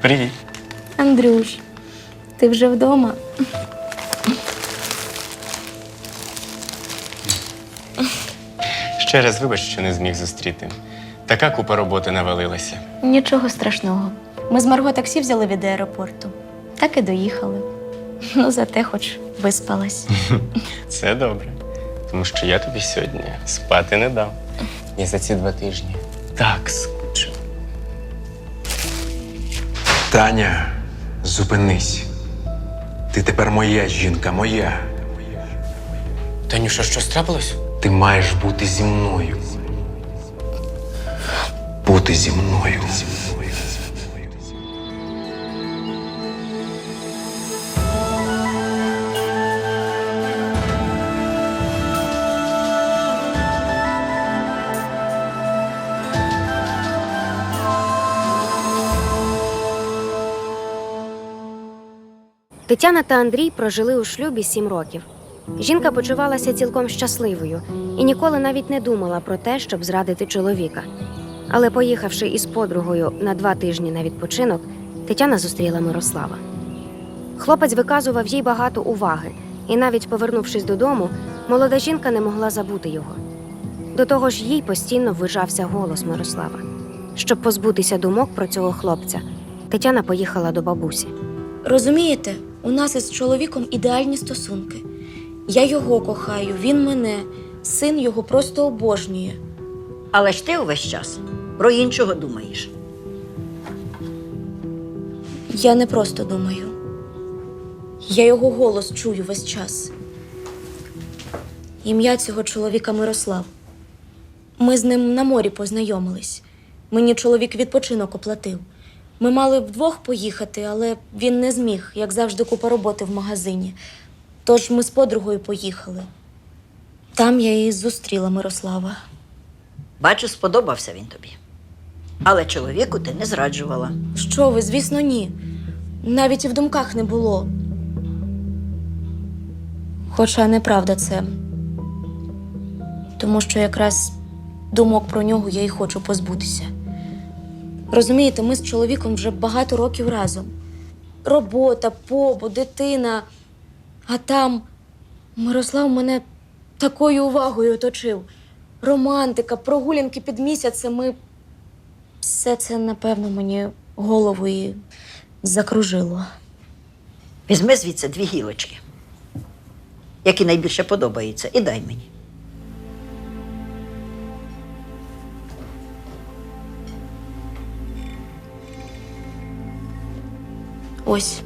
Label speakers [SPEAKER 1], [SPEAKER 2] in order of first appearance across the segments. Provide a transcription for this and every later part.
[SPEAKER 1] Привіт.
[SPEAKER 2] Андрюш, ти вже вдома?
[SPEAKER 1] Ще раз вибач, що не зміг зустріти. Така купа роботи навалилася.
[SPEAKER 2] Нічого страшного. Ми з Марго таксі взяли від аеропорту. Так і доїхали. Ну, зате хоч виспалась.
[SPEAKER 1] Це добре. Тому що я тобі сьогодні спати не дав. Я за ці 2 тижні так скучив.
[SPEAKER 3] Таня, зупинись. Ти тепер моя жінка, моя.
[SPEAKER 1] Танюша, що трапилось?
[SPEAKER 3] Ти маєш бути зі мною. Бути зі мною.
[SPEAKER 4] Тетяна та Андрій прожили у шлюбі 7 років. Жінка почувалася цілком щасливою і ніколи навіть не думала про те, щоб зрадити чоловіка. Але поїхавши із подругою на 2 тижні на відпочинок, Тетяна зустріла Мирослава. Хлопець виказував їй багато уваги, і навіть повернувшись додому, молода жінка не могла забути його. До того ж, їй постійно ввижався голос Мирослава. Щоб позбутися думок про цього хлопця, Тетяна поїхала до бабусі.
[SPEAKER 2] Розумієте, у нас із чоловіком ідеальні стосунки. Я його кохаю, він мене. Син його просто обожнює.
[SPEAKER 5] Але ж ти увесь час про іншого думаєш.
[SPEAKER 2] Я не просто думаю. Я його голос чую весь час. Ім'я цього чоловіка Мирослав. Ми з ним на морі познайомились. Мені чоловік відпочинок оплатив. Ми мали вдвох поїхати, але він не зміг, як завжди, купа роботи в магазині. Тож ми з подругою поїхали. Там я і зустріла Мирослава.
[SPEAKER 5] Бачу, сподобався він тобі. Але чоловіку ти не зраджувала.
[SPEAKER 2] Що ви, звісно, ні. Навіть і в думках не було. Хоча неправда це. Тому що якраз думок про нього я і хочу позбутися. Розумієте, ми з чоловіком вже багато років разом. Робота, побут, дитина. А там Мирослав мене такою увагою оточив. Романтика, прогулянки під місяцем. Все це, напевно, мені голову і закружило.
[SPEAKER 5] Візьми звідси 2 гілочки, які найбільше подобаються, і дай мені.
[SPEAKER 2] Ось.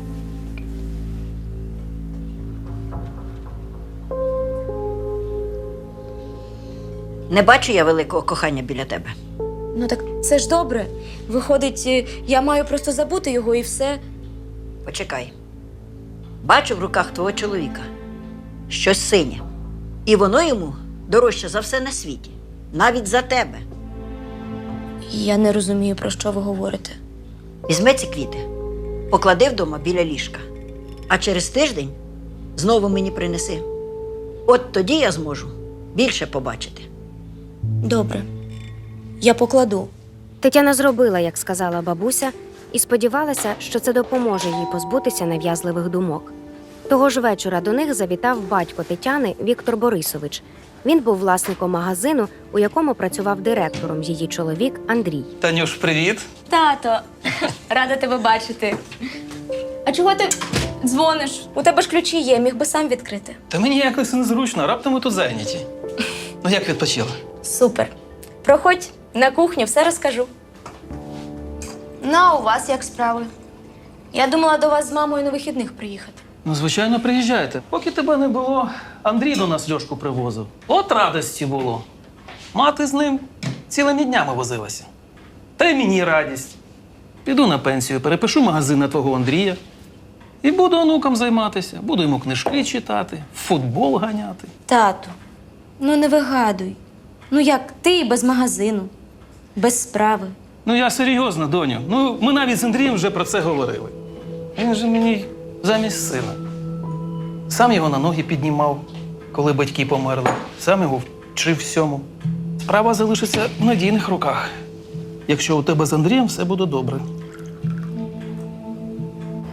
[SPEAKER 5] Не бачу я великого кохання біля тебе.
[SPEAKER 2] Ну так це ж добре. Виходить, я маю просто забути його і все.
[SPEAKER 5] Почекай. Бачу в руках твого чоловіка щось синє. І воно йому дорожче за все на світі. Навіть за тебе.
[SPEAKER 2] Я не розумію, про що ви говорите.
[SPEAKER 5] Візьми ці квіти, поклади вдома біля ліжка. А через тиждень знову мені принеси. От тоді я зможу більше побачити.
[SPEAKER 2] Добре. Я покладу.
[SPEAKER 4] Тетяна зробила, як сказала бабуся, і сподівалася, що це допоможе їй позбутися нав'язливих думок. Того ж вечора до них завітав батько Тетяни Віктор Борисович. Він був власником магазину, у якому працював директором її чоловік Андрій.
[SPEAKER 6] Танюш, привіт.
[SPEAKER 2] Тато, рада тебе бачити. А чого ти дзвониш? У тебе ж ключі є, міг би сам відкрити.
[SPEAKER 6] Та мені якось незручно, раптом ми тут зайняті. Ну як відпочила?
[SPEAKER 2] Супер. Проходь на кухню, все розкажу. Ну, а у вас як справи? Я думала до вас з мамою на вихідних приїхати.
[SPEAKER 6] Ну, звичайно, приїжджайте. Поки тебе не було, Андрій до нас Льошку привозив. От радості було. Мати з ним цілими днями возилася. Та й мені радість. Піду на пенсію, перепишу магазин на твого Андрія. І буду онукам займатися. Буду йому книжки читати, в футбол ганяти.
[SPEAKER 2] Тату, ну не вигадуй. Ну як ти без магазину, без справи.
[SPEAKER 6] Ну я серйозно, доню. Ну, ми навіть з Андрієм вже про це говорили. Він же мені замість сина. Сам його на ноги піднімав, коли батьки померли. Сам його вчив всьому. Справа залишиться в надійних руках. Якщо у тебе з Андрієм все буде добре.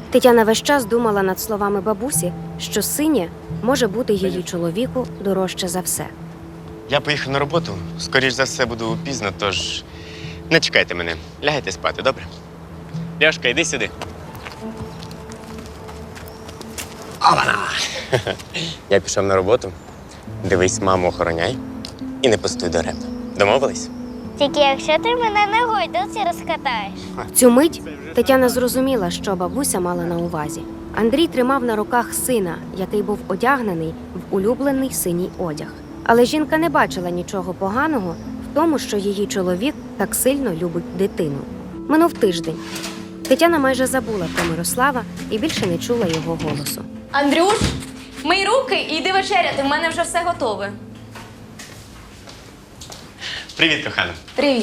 [SPEAKER 4] Тетяна весь час думала над словами бабусі, що синє може бути її чоловіку дорожче за все.
[SPEAKER 1] Я поїхав на роботу. Скоріш за все, буду пізно, тож не чекайте мене. Лягайте спати, добре? Ляшка, йди сюди. Ована! Я пішов на роботу. Дивись, маму охороняй і не пустуй даремно. Домовились?
[SPEAKER 7] Тільки якщо ти мене на гойдалці розкатаєш.
[SPEAKER 4] В цю мить Тетяна зрозуміла, що бабуся мала на увазі. Андрій тримав на руках сина, який був одягнений в улюблений синій одяг. Але жінка не бачила нічого поганого в тому, що її чоловік так сильно любить дитину. Минув тиждень. Тетяна майже забула про Мирослава і більше не чула його голосу.
[SPEAKER 2] Андрюш, мий руки і йди вечеряти, в мене вже все готове.
[SPEAKER 1] Привіт, кохана.
[SPEAKER 2] Привіт.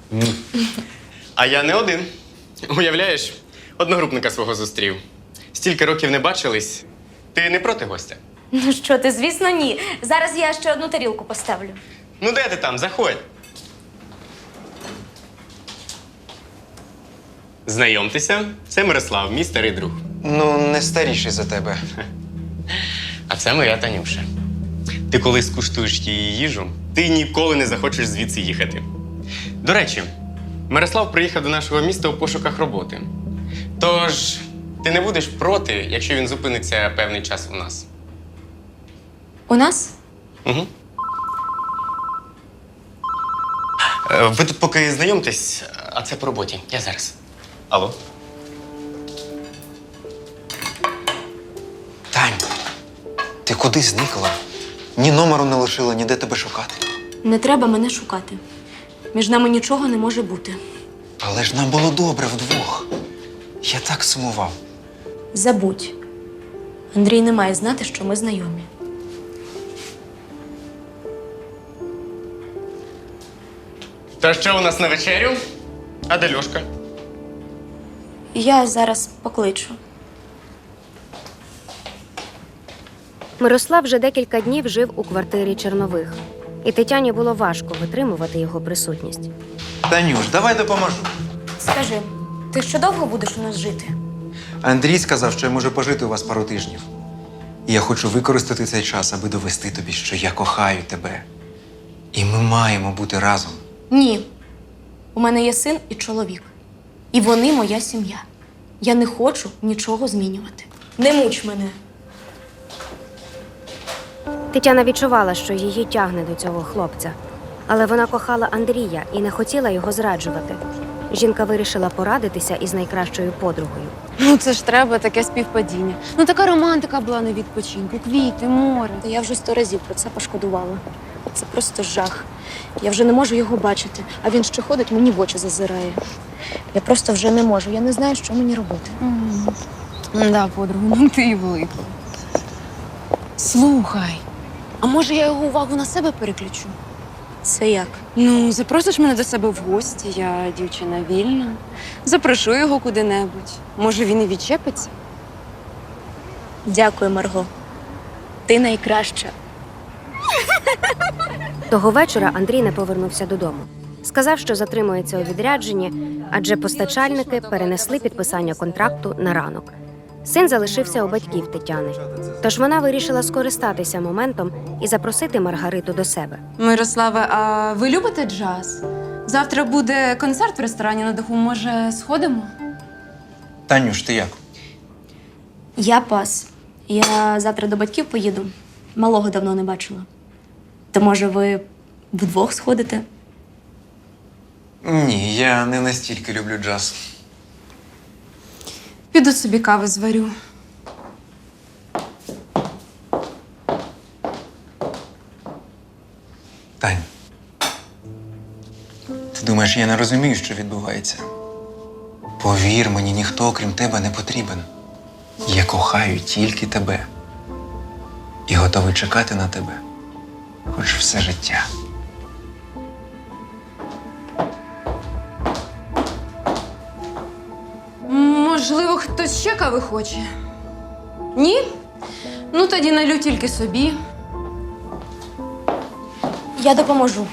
[SPEAKER 1] А я не один. Уявляєш, одногрупника свого зустрів. Стільки років не бачились. Ти не проти гостя?
[SPEAKER 2] Ну що ти, звісно, ні. Зараз я ще одну тарілку поставлю.
[SPEAKER 1] Ну де ти там? Заходь. Знайомтеся, це Мирослав, мій старий друг.
[SPEAKER 3] Ну, не старіший за тебе.
[SPEAKER 1] А це моя Танюша. Ти коли скуштуєш її їжу, ти ніколи не захочеш звідси їхати. До речі, Мирослав приїхав до нашого міста у пошуках роботи. Тож, ти не будеш проти, якщо він зупиниться певний час у нас?
[SPEAKER 2] У нас?
[SPEAKER 1] Угу. Ви тут поки знайомтесь, а це по роботі. Я зараз. Алло?
[SPEAKER 3] Тань, ти куди зникла? Ні номеру не лишила, ніде тебе шукати.
[SPEAKER 2] Не треба мене шукати. Між нами нічого не може бути.
[SPEAKER 3] Але ж нам було добре вдвох. Я так сумував.
[SPEAKER 2] Забудь. Андрій не має знати, що ми знайомі.
[SPEAKER 1] Та що у нас на вечерю? А де Льошка?
[SPEAKER 2] Я зараз покличу.
[SPEAKER 4] Мирослав вже декілька днів жив у квартирі Чернових, і Тетяні було важко витримувати його присутність.
[SPEAKER 3] Танюш, давай допоможу.
[SPEAKER 2] Скажи, ти ще довго будеш у нас жити?
[SPEAKER 3] Андрій сказав, що я можу пожити у вас пару тижнів. І я хочу використати цей час, аби довести тобі, що я кохаю тебе. І ми маємо бути разом.
[SPEAKER 2] Ні. У мене є син і чоловік. І вони моя сім'я. Я не хочу нічого змінювати. Не муч мене.
[SPEAKER 4] Тетяна відчувала, що її тягне до цього хлопця. Але вона кохала Андрія і не хотіла його зраджувати. Жінка вирішила порадитися із найкращою подругою.
[SPEAKER 8] Ну це ж треба таке співпадіння. Ну така романтика була на відпочинку, квіти, море.
[SPEAKER 2] Та я вже 100 разів про це пошкодувала. Це просто жах. Я вже не можу його бачити, а він ще ходить, мені в очі зазирає. Я просто вже не можу. Я не знаю, що мені робити.
[SPEAKER 8] Да, подруга, ну ти і велика. Слухай, а може я його увагу на себе переключу?
[SPEAKER 2] Це як?
[SPEAKER 8] Ну, запросиш мене до себе в гості, я дівчина вільна. Запрошу його куди-небудь. Може, він і відчепиться?
[SPEAKER 2] Дякую, Марго. Ти найкраща.
[SPEAKER 4] Того вечора Андрій не повернувся додому. Сказав, що затримується у відрядженні, адже постачальники перенесли підписання контракту на ранок. Син залишився у батьків Тетяни. Тож вона вирішила скористатися моментом і запросити Маргариту до себе.
[SPEAKER 8] Мирославе, а ви любите джаз? Завтра буде концерт в ресторані на даху. Може, сходимо?
[SPEAKER 3] Танюш, ти як?
[SPEAKER 2] Я пас. Я завтра до батьків поїду. Малого давно не бачила. То може ви вдвох сходите?
[SPEAKER 3] Ні, я не настільки люблю джаз.
[SPEAKER 8] Піду собі кави зварю.
[SPEAKER 3] Тань, ти думаєш, я не розумію, що відбувається? Повір мені, ніхто, окрім тебе, не потрібен. Я кохаю тільки тебе. І готовий чекати на тебе, хоч все життя.
[SPEAKER 8] Можливо, хтось ще кави хоче? Ні? Ну, тоді налю тільки собі.
[SPEAKER 2] Я допоможу.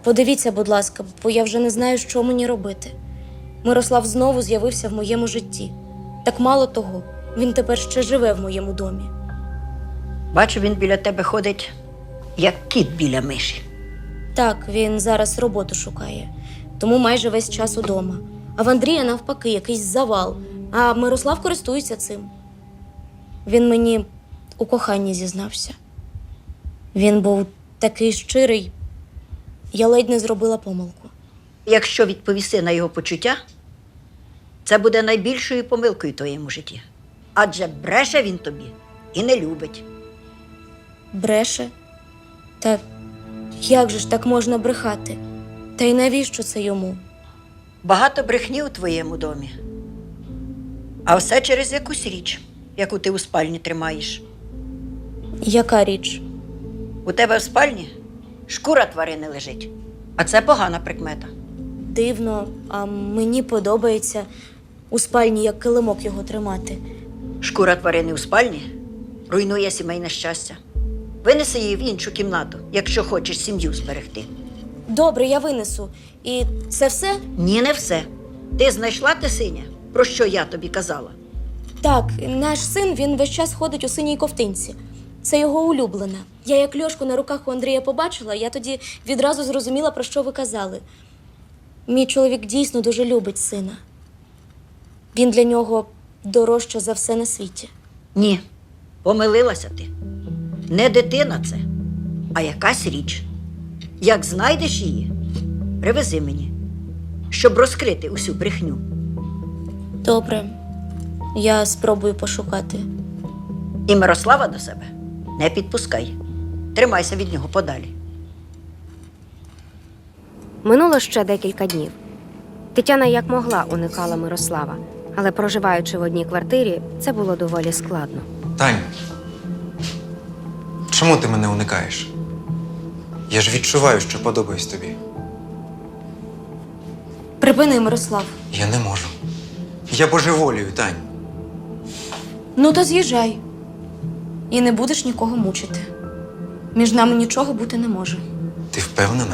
[SPEAKER 2] Подивіться, будь ласка, бо я вже не знаю, що мені робити. Мирослав знову з'явився в моєму житті. Так мало того, він тепер ще живе в моєму домі.
[SPEAKER 5] Бачу, він біля тебе ходить, як кіт біля миші.
[SPEAKER 2] Так, він зараз роботу шукає, тому майже весь час удома. А в Андрія, навпаки, якийсь завал, а Мирослав користується цим. Він мені у коханні зізнався. Він був такий щирий, я ледь не зробила помилку.
[SPEAKER 5] Якщо відповісти на його почуття, це буде найбільшою помилкою в твоєму житті. Адже бреше він тобі і не любить.
[SPEAKER 2] Бреше? Та як же ж так можна брехати? Та й навіщо це йому?
[SPEAKER 5] Багато брехні у твоєму домі. А все через якусь річ, яку ти у спальні тримаєш.
[SPEAKER 2] Яка річ?
[SPEAKER 5] У тебе в спальні шкура тварини лежить, а це погана прикмета.
[SPEAKER 2] Дивно, а мені подобається у спальні як килимок його тримати.
[SPEAKER 5] Шкура тварини у спальні руйнує сімейне щастя. Винеси її в іншу кімнату, якщо хочеш сім'ю зберегти.
[SPEAKER 2] Добре, я винесу. І це все?
[SPEAKER 5] Ні, не все. Ти знайшла те синє, про що я тобі казала?
[SPEAKER 2] Так, наш син, він весь час ходить у синій ковтинці. Це його улюблена. Я як Льошку на руках у Андрія побачила, я тоді відразу зрозуміла, про що ви казали. Мій чоловік дійсно дуже любить сина. Він для нього дорожче за все на світі.
[SPEAKER 5] Ні, помилилася ти. Не дитина це, а якась річ. Як знайдеш її, привези мені, щоб розкрити усю брехню.
[SPEAKER 2] Добре, я спробую пошукати.
[SPEAKER 5] І Мирослава до себе не підпускай. Тримайся від нього подалі.
[SPEAKER 4] Минуло ще декілька днів. Тетяна як могла уникала Мирослава, але проживаючи в одній квартирі, це було доволі складно.
[SPEAKER 3] Тань, чому ти мене уникаєш? Я ж відчуваю, що подобаюсь тобі.
[SPEAKER 2] Припини, Мирослав.
[SPEAKER 3] Я не можу. Я божеволію, Тань.
[SPEAKER 2] Ну то з'їжджай. І не будеш нікого мучити. Між нами нічого бути не може.
[SPEAKER 3] Ти впевнена?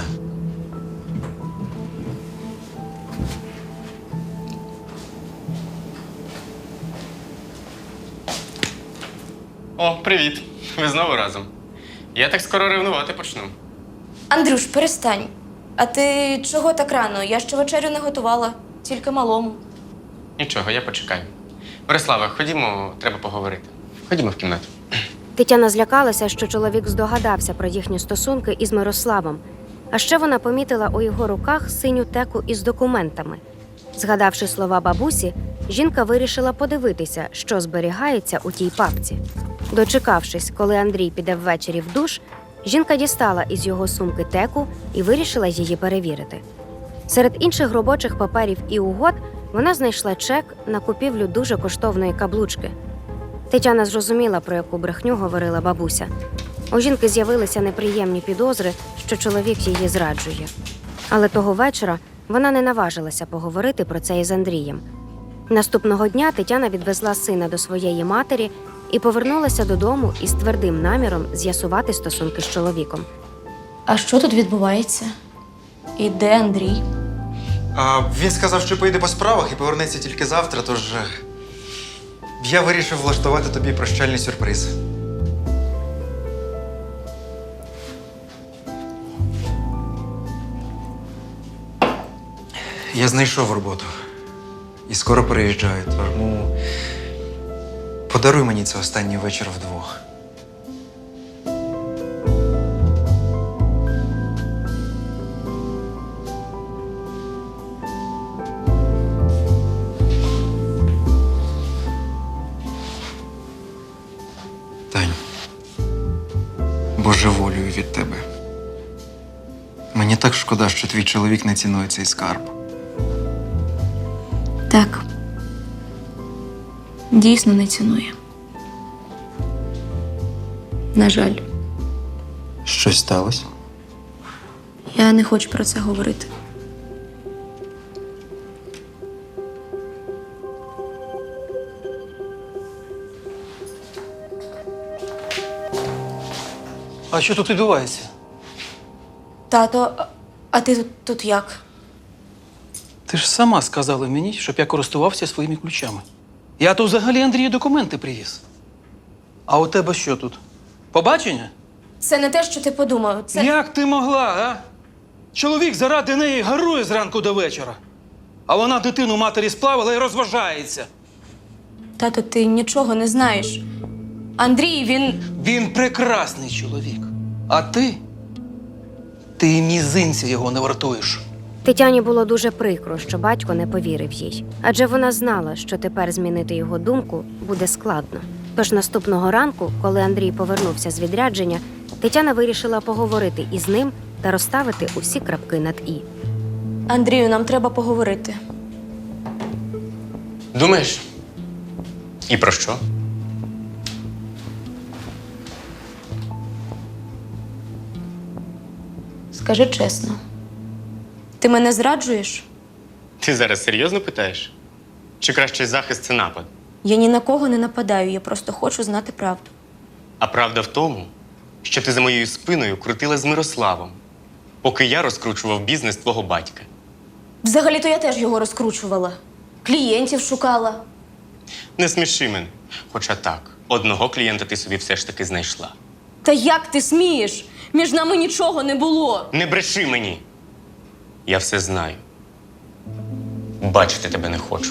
[SPEAKER 1] О, привіт. Ви знову разом. Я так скоро ревнувати почну.
[SPEAKER 2] Андрюш, перестань. А ти чого так рано? Я ще вечерю не готувала, тільки малому.
[SPEAKER 1] Нічого, я почекаю. Борислава, ходімо, треба поговорити. Ходімо в кімнату.
[SPEAKER 4] Тетяна злякалася, що чоловік здогадався про їхні стосунки із Мирославом. А ще вона помітила у його руках синю теку із документами. Згадавши слова бабусі, жінка вирішила подивитися, що зберігається у тій папці. Дочекавшись, коли Андрій піде ввечері в душ, жінка дістала із його сумки теку і вирішила її перевірити. Серед інших робочих паперів і угод вона знайшла чек на купівлю дуже коштовної каблучки. Тетяна зрозуміла, про яку брехню говорила бабуся. У жінки з'явилися неприємні підозри, що чоловік її зраджує. Але того вечора вона не наважилася поговорити про це із Андрієм. Наступного дня Тетяна відвезла сина до своєї матері і повернулася додому із твердим наміром з'ясувати стосунки з чоловіком.
[SPEAKER 2] А що тут відбувається? І де Андрій?
[SPEAKER 3] Він сказав, що поїде по справах і повернеться тільки завтра, тож я вирішив влаштувати тобі прощальний сюрприз. Я знайшов роботу і скоро переїжджаю, тому подаруй мені це останній вечір вдвох. Тань, божеволюю від тебе. Мені так шкода, що твій чоловік не цінує цей скарб.
[SPEAKER 2] Так. Дійсно не цінує. На жаль,
[SPEAKER 3] Щось сталося?
[SPEAKER 2] я не хочу про це говорити.
[SPEAKER 6] А що тут відбувається?
[SPEAKER 2] Тато, А ти тут як?
[SPEAKER 6] Ти ж сама сказала мені, щоб я користувався своїми ключами. Я тут взагалі Андрію документи привіз. А у тебе що тут? Побачення?
[SPEAKER 2] Це не те, що ти подумав. Це
[SPEAKER 6] Як ти могла, а? Чоловік заради неї гарує зранку до вечора. А вона дитину матері сплавила і розважається.
[SPEAKER 2] тато, ти нічого не знаєш. Андрій, він.
[SPEAKER 6] Він прекрасний чоловік. А ти? Ти і мізинця його не вартуєш.
[SPEAKER 4] Тетяні було дуже прикро, що батько не повірив їй, адже вона знала, що тепер змінити його думку буде складно. Тож наступного ранку, коли Андрій повернувся з відрядження, Тетяна вирішила поговорити із ним та розставити усі крапки над «і».
[SPEAKER 2] Андрію, нам треба поговорити.
[SPEAKER 1] Думаєш? І про що?
[SPEAKER 2] Скажи чесно. Ти мене зраджуєш?
[SPEAKER 1] Ти зараз серйозно питаєш? Чи кращий захист це напад?
[SPEAKER 2] Я ні на кого не нападаю, я просто хочу знати правду.
[SPEAKER 1] А правда в тому, що ти за моєю спиною крутила з Мирославом, поки я розкручував бізнес твого батька.
[SPEAKER 2] Взагалі-то я теж його розкручувала. Клієнтів шукала.
[SPEAKER 1] Не сміши мене. Хоча так, одного клієнта ти собі все ж таки знайшла.
[SPEAKER 2] Та як ти смієш? Між нами нічого не було.
[SPEAKER 1] Не бреши мені! Я все знаю. Бачити тебе не хочу.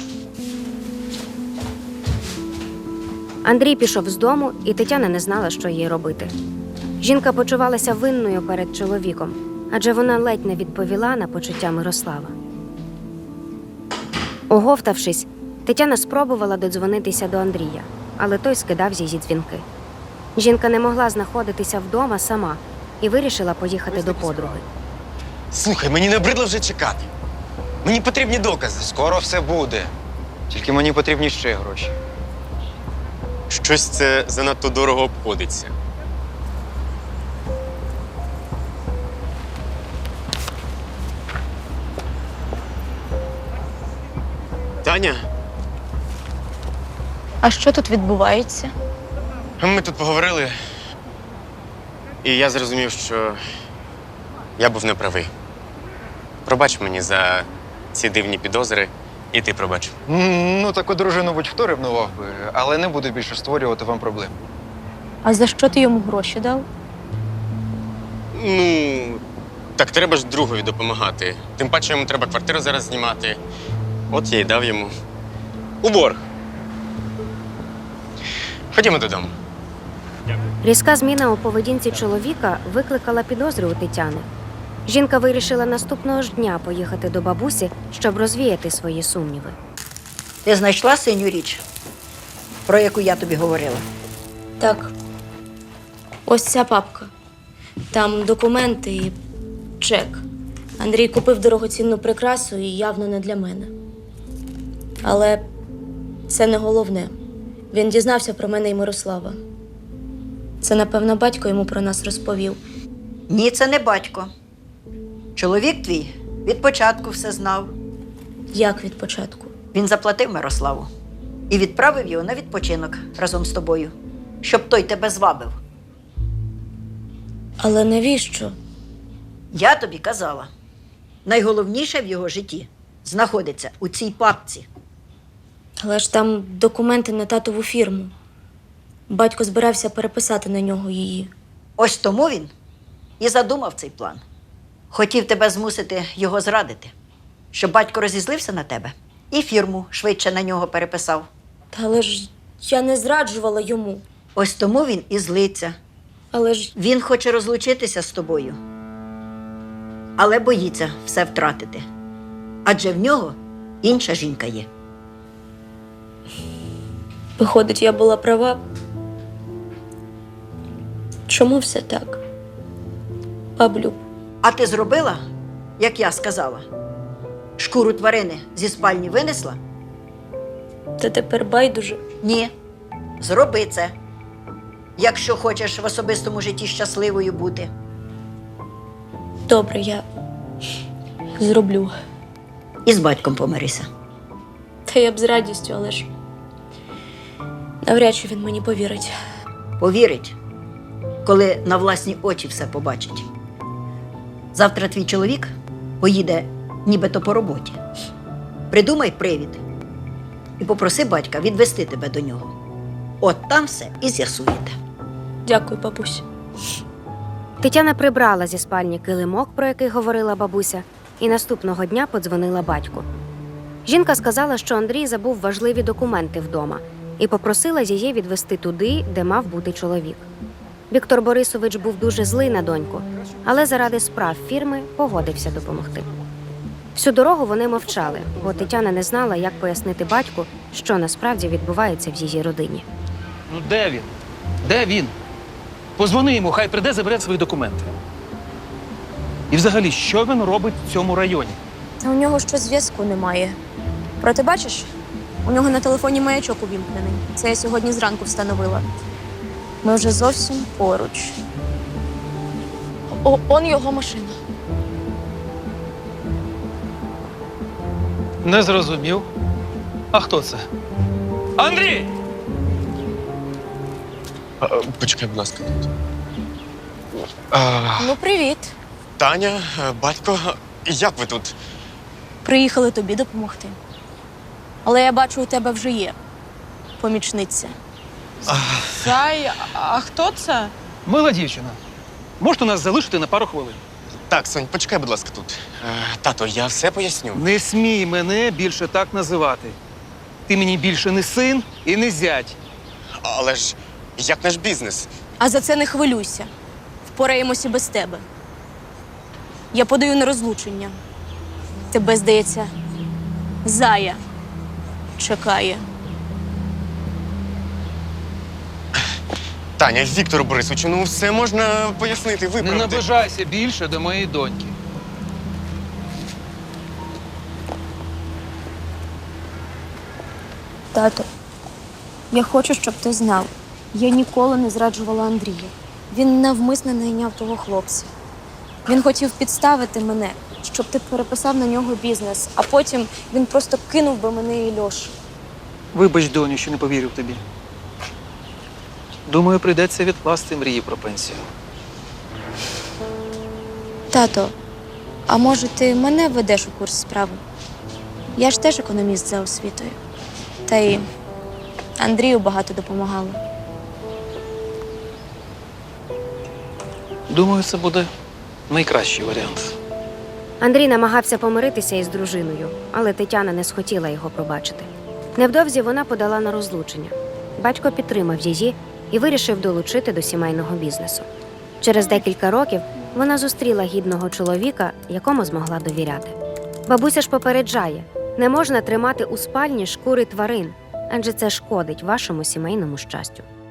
[SPEAKER 4] Андрій пішов з дому, і Тетяна не знала, що їй робити. Жінка почувалася винною перед чоловіком, адже вона ледь не відповіла на почуття Мирослава. Оговтавшись, Тетяна спробувала додзвонитися до Андрія, але той скидав її дзвінки. Жінка не могла знаходитися вдома сама і вирішила поїхати до подруги.
[SPEAKER 3] Слухай, мені набридло вже чекати. Мені потрібні докази. Скоро все буде. Тільки мені потрібні ще гроші.
[SPEAKER 1] Щось це занадто дорого обходиться. Таня,
[SPEAKER 2] А що тут відбувається?
[SPEAKER 1] ми тут поговорили, і я зрозумів, що я був неправий. Пробач мені за ці дивні підозри, і ти пробач.
[SPEAKER 3] Ну, таку дружину будь-хто ревнував би, але не буду більше створювати вам проблем.
[SPEAKER 2] А за що ти йому гроші дав?
[SPEAKER 1] Ну, так треба ж другові допомагати. Тим паче йому треба квартиру зараз знімати. От я й дав йому. У борг. Ходімо додому.
[SPEAKER 4] Різка зміна у поведінці чоловіка викликала підозри у Тетяни. Жінка вирішила наступного ж дня поїхати до бабусі, щоб розвіяти свої сумніви.
[SPEAKER 5] Ти знайшла синю річ, про яку я тобі говорила?
[SPEAKER 2] Так. Ось ця папка. Там документи і чек. Андрій купив дорогоцінну прикрасу і явно не для мене. Але це не головне. Він дізнався про мене і Мирослава. Це, напевно, батько йому про нас розповів.
[SPEAKER 5] Ні, це не батько. Чоловік твій від початку все знав.
[SPEAKER 2] Як від початку?
[SPEAKER 5] Він заплатив Мирославу і відправив його на відпочинок разом з тобою, щоб той тебе звабив.
[SPEAKER 2] Але навіщо?
[SPEAKER 5] Я тобі казала, найголовніше в його житті знаходиться у цій папці.
[SPEAKER 2] Але ж там документи на татову фірму. Батько збирався переписати на нього її.
[SPEAKER 5] Ось тому він і задумав цей план. Хотів тебе змусити його зрадити, щоб батько розізлився на тебе і фірму швидше на нього переписав.
[SPEAKER 2] Та але ж я не зраджувала йому.
[SPEAKER 5] Ось тому він і злиться.
[SPEAKER 2] Але ж
[SPEAKER 5] Він хоче розлучитися з тобою, але боїться все втратити. Адже в нього інша жінка є.
[SPEAKER 2] виходить, я була права. Чому все так? Баблю,
[SPEAKER 5] А ти зробила, як я сказала? Шкуру тварини зі спальні винесла?
[SPEAKER 2] та тепер байдуже.
[SPEAKER 5] Ні. Зроби це, якщо хочеш в особистому житті щасливою бути.
[SPEAKER 2] Добре, я зроблю.
[SPEAKER 5] І з батьком помирися.
[SPEAKER 2] Та я б з радістю, але ж навряд чи він мені повірить.
[SPEAKER 5] Повірить, коли на власні очі все побачить. Завтра твій чоловік поїде нібито по роботі. Придумай привід і попроси батька відвести тебе до нього. От там все і з'ясуєте.
[SPEAKER 2] Дякую, бабусь.
[SPEAKER 4] Тетяна прибрала зі спальні килимок, про який говорила бабуся, і наступного дня подзвонила батьку. Жінка сказала, що Андрій забув важливі документи вдома і попросила її відвести туди, де мав бути чоловік. Віктор Борисович був дуже злий на доньку, але заради справ фірми погодився допомогти. Всю дорогу вони мовчали, бо Тетяна не знала, як пояснити батьку, що насправді відбувається в її родині.
[SPEAKER 6] Ну де він? Де він? Позвони йому, хай прийде, забере свої документи. І взагалі, що він робить в цьому районі?
[SPEAKER 2] Та у нього щось зв'язку немає. Проте бачиш, у нього на телефоні маячок увімкнений. Це я сьогодні зранку встановила. Ми вже зовсім поруч. Он його машина.
[SPEAKER 6] Не зрозумів. А хто це? Андрій!
[SPEAKER 1] Почекай, будь ласка.
[SPEAKER 2] Ну, привіт.
[SPEAKER 1] Таня, батько, як ви тут?
[SPEAKER 2] Приїхали тобі допомогти. Але я бачу, у тебе вже є помічниця.
[SPEAKER 9] Зай, а хто це?
[SPEAKER 6] Мила дівчина. Можете нас залишити на пару хвилин?
[SPEAKER 1] Так, Сонь, почекай, будь ласка, тут. Тато, я все поясню.
[SPEAKER 6] Не смій мене більше так називати. Ти мені більше не син і не зять.
[SPEAKER 1] Але ж як наш бізнес?
[SPEAKER 2] А за це не хвилюйся. Впораємося без тебе. Я подаю на розлучення. Тебе, здається, Зая чекає.
[SPEAKER 1] Таня, Віктору Борисовичу, ну все можна пояснити,
[SPEAKER 6] Не
[SPEAKER 1] виправити.
[SPEAKER 6] наближайся більше до моєї доньки.
[SPEAKER 2] Тато, я хочу, щоб ти знав. Я ніколи не зраджувала Андрія. Він навмисно найняв того хлопця. Він хотів підставити мене, щоб ти переписав на нього бізнес, а потім він просто кинув би мене і Льошу.
[SPEAKER 6] Вибач, доню, що не повірив тобі. Думаю, прийдеться відкласти мрії про пенсію.
[SPEAKER 2] Тато, а може ти мене введеш у курс справи? Я ж теж економіст за освітою. Та й Андрію багато допомагала.
[SPEAKER 6] Думаю, це буде найкращий варіант.
[SPEAKER 4] Андрій намагався помиритися із дружиною, але Тетяна не схотіла його пробачити. Невдовзі вона подала на розлучення. Батько підтримав її і вирішив долучити до сімейного бізнесу. Через декілька років вона зустріла гідного чоловіка, якому змогла довіряти. Бабуся ж попереджає, не можна тримати у спальні шкури тварин, адже це шкодить вашому сімейному щастю.